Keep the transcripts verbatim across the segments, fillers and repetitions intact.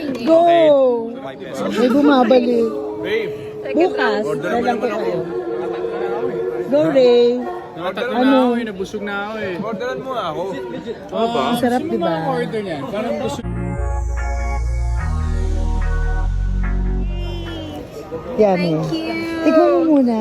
Go! five pesos. May bumabalik. Babe, Bukas, order mo dalang ko naman ako. kayo. Go, Ray. Nakatatlo Ano? na ako eh, nabusog na ako eh. Orderan mo nga ako. Oo ba? Ang sarap, di ba? order niyan? Parang gusto. Yan eh. Tignan mo muna.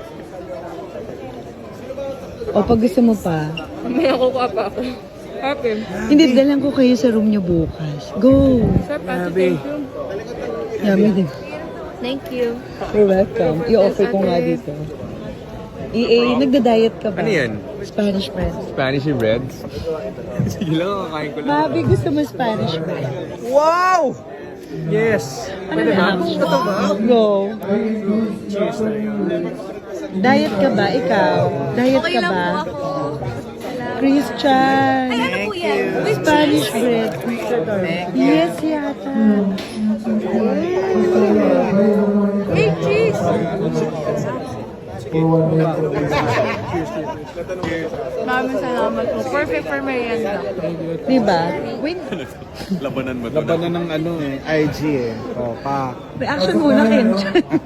O pag gusto mo pa. May nakukuha pa ako. Happy. Hindi, dalang ko kayo sa room niyo bukas. Go! Sir, Ate, thank you. Yummy din. Thank you. You're welcome. I-offer ko nga dito. E A, nagda-diet ka ba? Ano yan? Spanish bread. Spanish bread? Sige lang, kakain ko lang. Mabi, gusto mo Spanish bread? Wow! Yes! Pwede ba? Ito ba? Go. Cheers na yun. Diet ka ba? Ikaw? Diet Okay ka lang ba? po ako. Christian. Ay, ano po yan? With Spanish bread. Yes, yata. Hey, cheese! Maraming salamat po. Perfect for merienda. Diba? Wait, Labanan mo to. Labanan ng ano eh, I G eh. O, pa. reaction muna, Ken.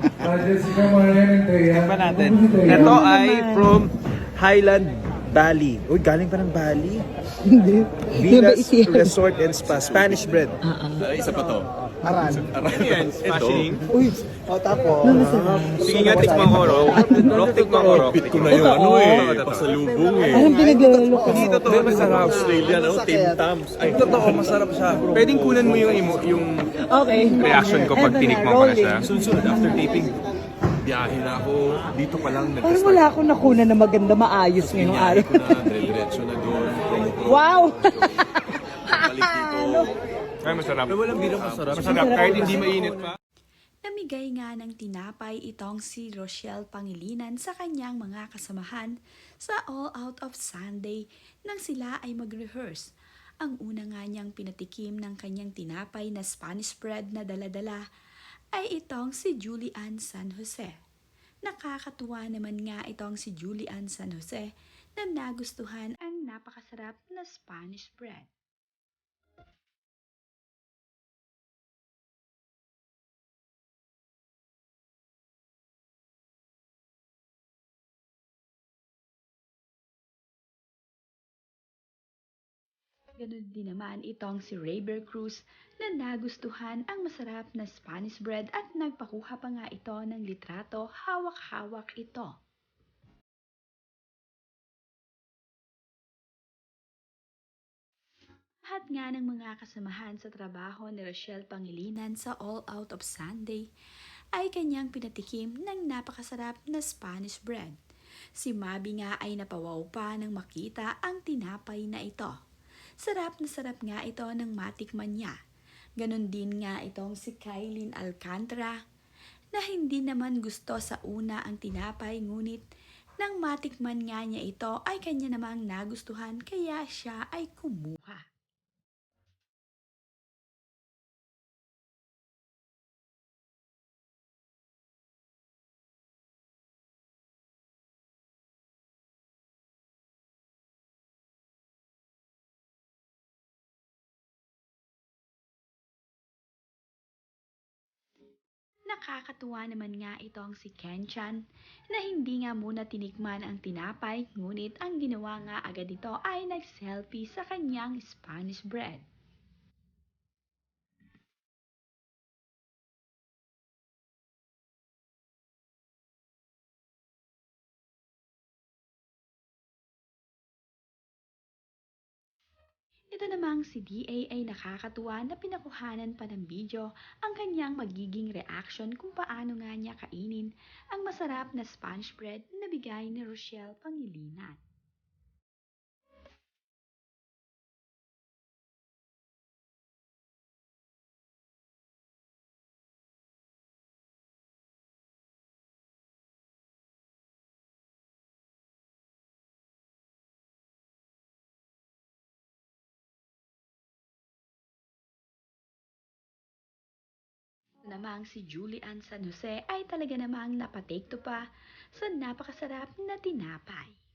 Ba natin? Ito ay from Highland Bali. Uy, galing pa ng Bali. Hindi. Di ba Venus isiyan? Resort and Spa. Spanish bread. Ay, isa pa to. Aran. Ano yan? Smashing? Uy, o tapos. Sige nga, tikman ko, Rock. Rock, tikman ko, Rock. Pit ko na yung ano eh. Pasalubong eh. Parang pinaglalalo ko. Hindi, totoo, masarap. Australian, ano? Tim Tams. Ay, totoo, masarap siya. Pwedeng kunan mo yung, emo- yung Okay. reaction ko pag Eto na, tinikman ko na siya. rolling. Sunod, after taping, biyahe na ako. Dito pa lang, Parang nag-start. wala akong nakuna na maganda, maayos ngayong Biyahe araw. ko na, dire-diretso na doon. Wow! Balik dito. Ay, masarap. Ay, walang birang masarap. Masarap, kahit hindi mainit pa. Namigay nga ng tinapay itong si Rochelle Pangilinan sa kanyang mga kasamahan sa All Out of Sunday nang sila ay mag-rehearse. Ang una nga niyang pinatikim ng kanyang tinapay na Spanish bread na daladala ay itong si Julian San Jose. Nakakatuwa naman nga itong si Julian San Jose na nagustuhan ang napakasarap na Spanish bread. Ganun din naman itong si Rayber Cruz na nagustuhan ang masarap na Spanish bread at nagpakuha pa nga ito ng litrato, hawak-hawak ito. Lahat nga ng mga kasamahan sa trabaho ni Rochelle Pangilinan sa All Out of Sunday ay kanyang pinatikim ng napakasarap na Spanish bread. Si Mabi nga ay napawaw pa nang makita ang tinapay na ito. Sarap na sarap nga ito ng matikman niya. Ganon din nga itong si Kailin Alcantara na hindi naman gusto sa una ang tinapay ngunit nang matikman nga niya ito ay kanya namang nagustuhan kaya siya ay kumuha. Nakakatuwa naman nga itong si Kenchan na hindi nga muna tinikman ang tinapay ngunit ang ginawa nga agad ito ay nag-selfie sa kanyang Spanish bread. Ito namang si D A ay nakakatuwa na pinakuhanan pa ng video ang kanyang magiging reaction kung paano nga niya kainin ang masarap na Spanish bread na bigay ni Rochelle Pangilinan. Namang si Julian San Jose ay talaga namang napatake to pa sa napakasarap na tinapay.